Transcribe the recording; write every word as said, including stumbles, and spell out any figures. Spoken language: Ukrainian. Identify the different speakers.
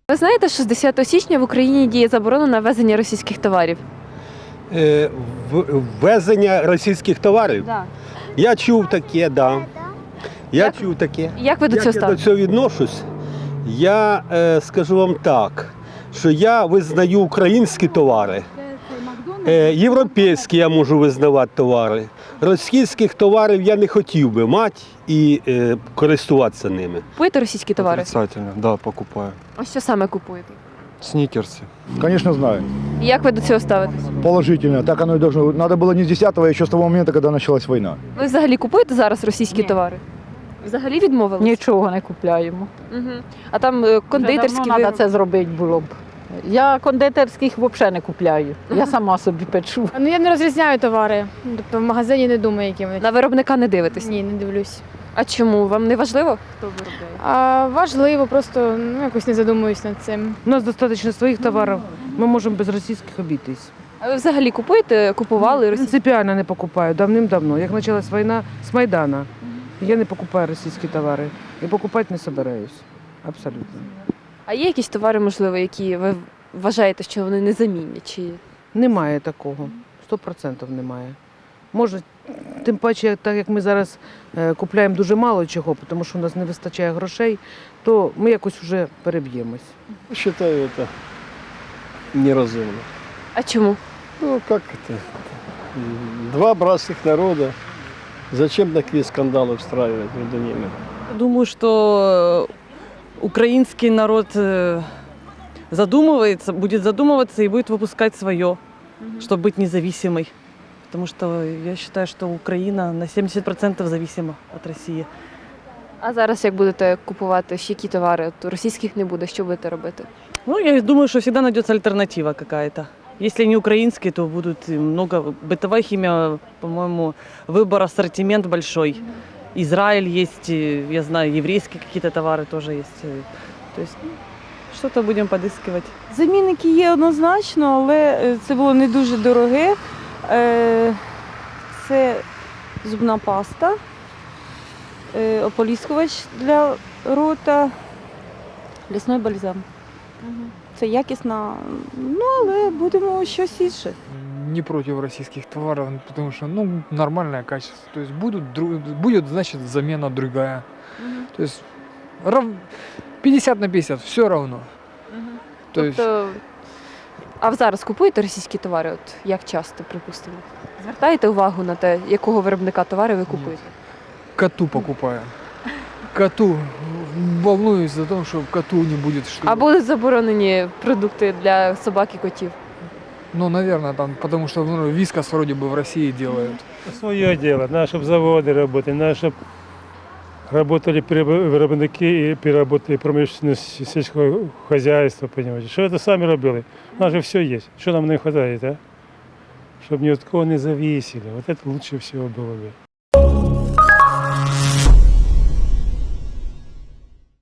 Speaker 1: Ви знаєте, що з десятого січня в Україні діє заборона на ввезення російських товарів?
Speaker 2: Е, в- Ввезення російських товарів?
Speaker 1: Так.
Speaker 2: Я чув таке, да. Я
Speaker 1: Як-
Speaker 2: чув таке.
Speaker 1: Як ви до
Speaker 2: Як
Speaker 1: цього
Speaker 2: я до
Speaker 1: ставитесь?
Speaker 2: цього відношусь? Я е, скажу вам так, що я визнаю українські товари, е, європейські я можу визнавати товари. Російських товарів я не хотів би мати і е, користуватися ними.
Speaker 1: Купуєте російські товари?
Speaker 3: Отрицательно, да, покупаю.
Speaker 1: А що саме купуєте?
Speaker 3: Сникерсы.
Speaker 4: Конечно, знаю.
Speaker 1: І як ви до цього ставитесь?
Speaker 4: Положительно. Так оно и должно. Надо было не с десятого, а еще с того момента, когда началась война.
Speaker 1: Ви взагалі купуєте зараз російські
Speaker 5: Ні.
Speaker 1: товари? Взагалі відмовились?
Speaker 5: Нічого не купляємо.
Speaker 1: Угу. А там е, кондитерські
Speaker 5: Треба
Speaker 1: вироби?
Speaker 5: це зробити було б. Я кондитерських взагалі не купляю. Я сама собі печу.
Speaker 6: Ну я не розрізняю товари. Тобто в магазині не думаю, які вони.
Speaker 1: На виробника не дивитесь?
Speaker 6: Ні, не дивлюсь.
Speaker 1: А чому? Вам не важливо, хто виробляє?
Speaker 6: А важливо, просто ну якось не задумуюсь над цим.
Speaker 7: У нас достатньо своїх товарів, ми можемо без російських обійтись.
Speaker 1: А ви взагалі купуєте, купували російські?
Speaker 7: Принципіально не покупаю, давним-давно. Як почалась війна з Майдана, я не покупаю російські товари і покупати не збираюсь. Абсолютно.
Speaker 1: А є якісь товари, можливо, які ви вважаєте, що вони незамінні? Чи
Speaker 7: Немає такого, сто відсотків немає. Може, тим паче, так як ми зараз е, купуємо дуже мало чого, тому що у нас не вистачає грошей, то ми якось вже переб'ємось.
Speaker 8: Считаю это неразумно.
Speaker 1: а чому?
Speaker 8: Ну как это? Два братских народа. Зачем такие скандалы устраивать между ними?
Speaker 9: Думаю, что украинский народ э, задумывается, будет задумываться и будет выпускать свое, чтобы быть независимой. Потому что я считаю, что Украина на сімдесят відсотків зависима от России.
Speaker 1: А зараз як будете купувати ще які товари? От російських не буде, що будете робити?
Speaker 9: Ну, я думаю, что всегда найдется альтернатива какая-то. Если не украинские, то будут и много. Бытовая химия, по-моему, выбор, ассортимент большой. Израиль есть, и, я знаю, еврейские какие-то товары тоже есть. И, То есть ну, что-то будем подыскивать.
Speaker 10: Замінники є однозначно, але е, це було не дуже дороге. Е, Це зубна паста, е, ополіскувач для рота, лісний бальзам. Це якісно, ну але будемо щось інше.
Speaker 11: Не против российских товаров, потому что, ну, нормальное качество. То есть будут, дру- будет, значит, замена другая. То есть рав- пятьдесят на пятьдесят, все равно. То есть
Speaker 1: Тобто, а зараз купуєте російські товари? От як часто, припустимо? Звертаєте увагу на те, якого виробника товари ви купуєте?
Speaker 11: коту покупаю. Коту. Волнуюсь за то, что коту не будет что.
Speaker 1: А будуть заборонені продукти для собак і котів?
Speaker 11: Ну, наверное, там, потому что ну, вискас вроде бы в России делают.
Speaker 12: Свое дело. Надо, чтобы заводы работали, надо, чтобы работали переб- виробники и переработали промышленность сельского хозяйства, понимаете. Что это сами робили? У нас же все есть. Что нам не хватает, а? Чтобы ни от кого не зависели. Вот это лучше всего было бы.